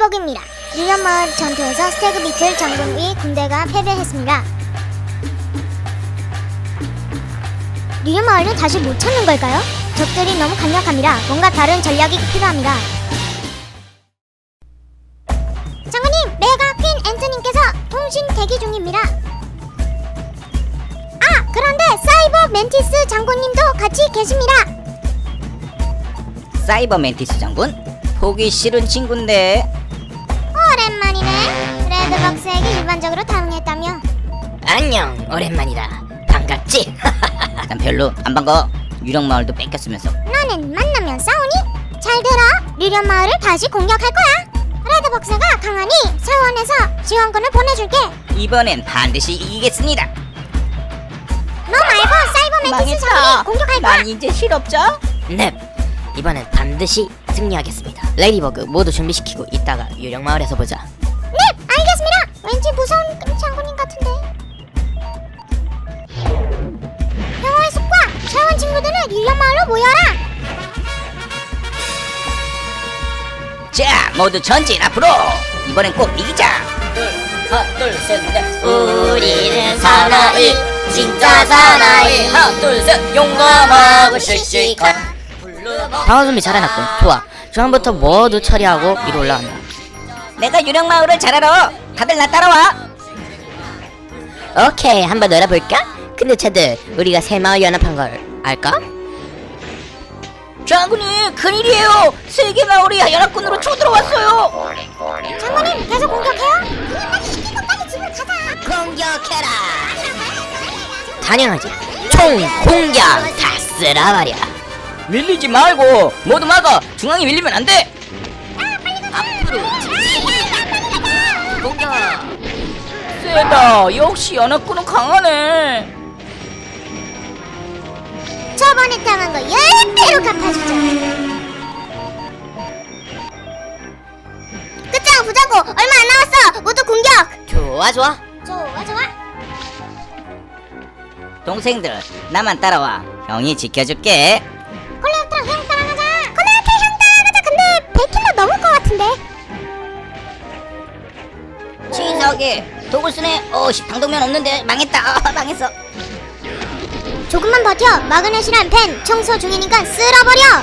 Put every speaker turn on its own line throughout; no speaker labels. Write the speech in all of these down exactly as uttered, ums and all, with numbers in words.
레디버그입니다. 유년마을 전투에서 스태그 비틀 장군의 군대가 패배했습니다. 유년마을을 다시 못 찾는 걸까요? 적들이 너무 강력합니다. 뭔가 다른 전략이 필요합니다. 장군님, 메가 퀸 앤트님께서 통신 대기 중입니다. 아, 그런데 사이버 멘티스 장군님도 같이 계십니다.
사이버 멘티스 장군? 보기 싫은 친구인데.
오랜만이네. 레드박스에게 일반적으로 당했다며.
안녕, 오랜만이다. 반갑지?
난 별로 안 반가워. 유령마을도 뺏겼으면서.
너는 만나면 싸우니? 잘 들어. 류련마을을 다시 공격할 거야. 레드박스가 강하니 사원에서 지원군을 보내줄게.
이번엔 반드시 이기겠습니다.
너 말고 사이버 멘티스 장군이 공격할 거야.
난 이제 실업자?
넵, 이번엔 반드시 승리하겠습니다. 레디버그 모두 준비시키고 이따가 유령마을에서 보자.
네, 알겠습니다. 왠지 무서운 장군님 같은데. 평화의 숲과 사원 친구들은 류련마을로 모여라.
자, 모두 전진 앞으로. 이번엔 꼭 이기자. 하나, 둘, 셋, 넷.
우리는 사나이, 진짜 사나이.
하나, 둘, 셋. 용감하고 씩씩한.
방어 준비 잘해놨군. 좋아. 중앙부터 모두 처리하고 위로 올라간다.
내가 유령마을을 잘 알아. 다들 나 따라와.
오케이, 한번 놀아볼까? 근데 쟤들 우리가 새마을 연합한 걸 알까?
장군님, 큰일이에요. 세계 마을이 연합군으로 쳐들어왔어요.
장군님, 계속 공격해요? 그냥 빨리 시키고 빨리 집을 가자.
공격해라. 당연하지. 총 공격 다 쓸어버려.
밀리지 말고 모두 막아. 중앙이 밀리면 안 돼.
앞으로 공격.
세다. 역시 연합군은 강하네.
저번에 당한 거 열 배로 갚아주죠. 끝장 보자고. 얼마 안 남았어. 모두 공격.
좋아 좋아.
좋아 좋아.
동생들, 나만 따라와. 형이 지켜줄게.
콜레오트랑 형 따라가자. 콜레오트 형 따라가자. 근데 백 킬로 넘을 것 같은데.
치사하게 독을 쓰네. 어씨, 방독면 없는데 망했다. 아, 망했어.
조금만 버텨. 마그넷이란 펜 청소 중이니까 쓸어버려.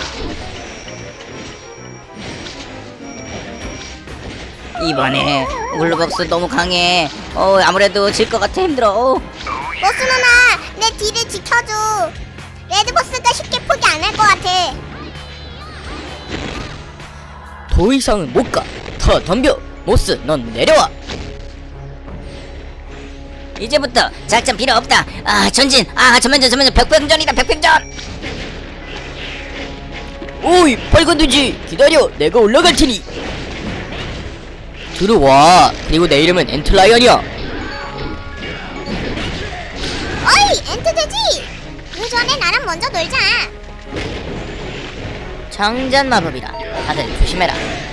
이번에 울루벅스 너무 강해. 어 아무래도 질 것 같아. 힘들어. 어.
보스 누나, 내 뒤를 지켜줘. 레드보스가 쉽게 포기 안 할 것 같아.
더 이상은 못 가. 더 덤벼. 모스, 넌 내려와.
이제부터 작전 필요 없다. 아 전진. 아 전면전 전면전 백병전이다. 백병전.
오이, 빨간 돼지. 기다려. 내가 올라갈 테니. 들어와. 그리고 내 이름은 엔틀라이언이야.
어이, 엔트 돼지. 그 전에 나랑 먼저 놀자.
장전 마법이다. 다들 조심해라.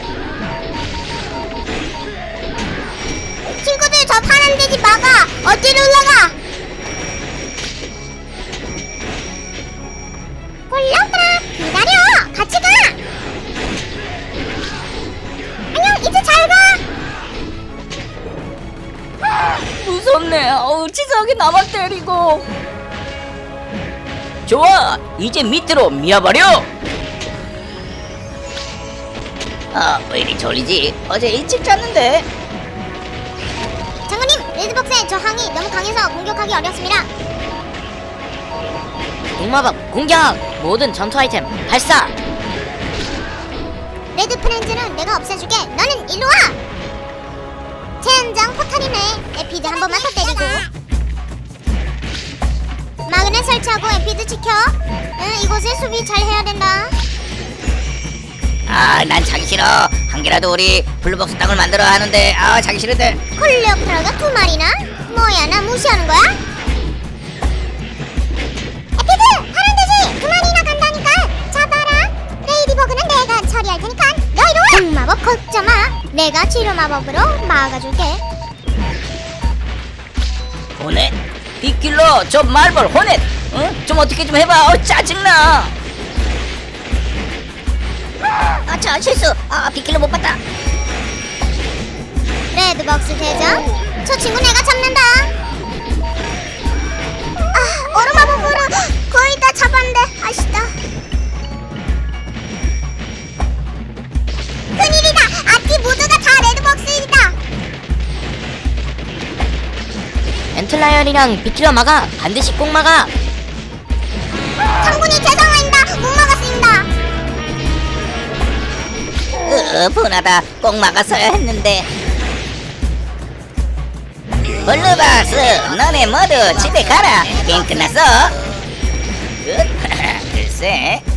친구들, 저 파란 돼지 막아. 어디로 올라가? 콜레오트라, 기다려. 같이 가. 안녕, 이제 잘 가.
무섭네. 어우 치사하게 나만 때리고. 좋아. 이제 밑으로 밀어버려. 아 왜 이리 졸리지? 어제 일찍 잤는데.
장군님, 레드박스의 저항이 너무 강해서 공격하기 어렵습니다.
동마법 공격. 모든 전투 아이템 발사.
레드 프렌즈는 내가 없애줄게. 너는 일로 와. 젠장 포탈이네. 에피드 한 번만 더 때리고. 마그넷 설치하고 에피드 지켜. 응, 이곳에 수비 잘 해야 된다.
아 난 자기 싫어. 한 개라도 우리 블루박스 땅을 만들어야 하는데 아 자기 싫은데.
콜레오프라가 두 마리나? 뭐야, 나 무시하는 거야? 에피드! 파란 돼지! 두 마리나 간다니까! 잡아라! 레이디버그는 내가 처리할 테니까 너 이리 와! 공마법 걱정 마! 내가 치료 마법으로 막아줄게.
호넷? 빗길로 저 말벌 호넷! 응? 좀 어떻게 좀 해봐. 어 짜증나. 아차 실수. 아 빗길로 못 봤다.
레드벅스 대장, 저 친구 내가 잡는다. 아, 얼음마법으로 거의 다 잡았는데 아시다. 큰일이다. 아티 모두가 다 레드벅스이다.
엔틀라이언이랑 비키러 막아. 반드시 꼭 막아.
장군이 죄송합니다. 못 막았습니다.
으, 분하다. 꼭 막았어야 했는데. 블루박스, 너네 모두 집에 가라. 게임 끝났어. 으, 글쎄.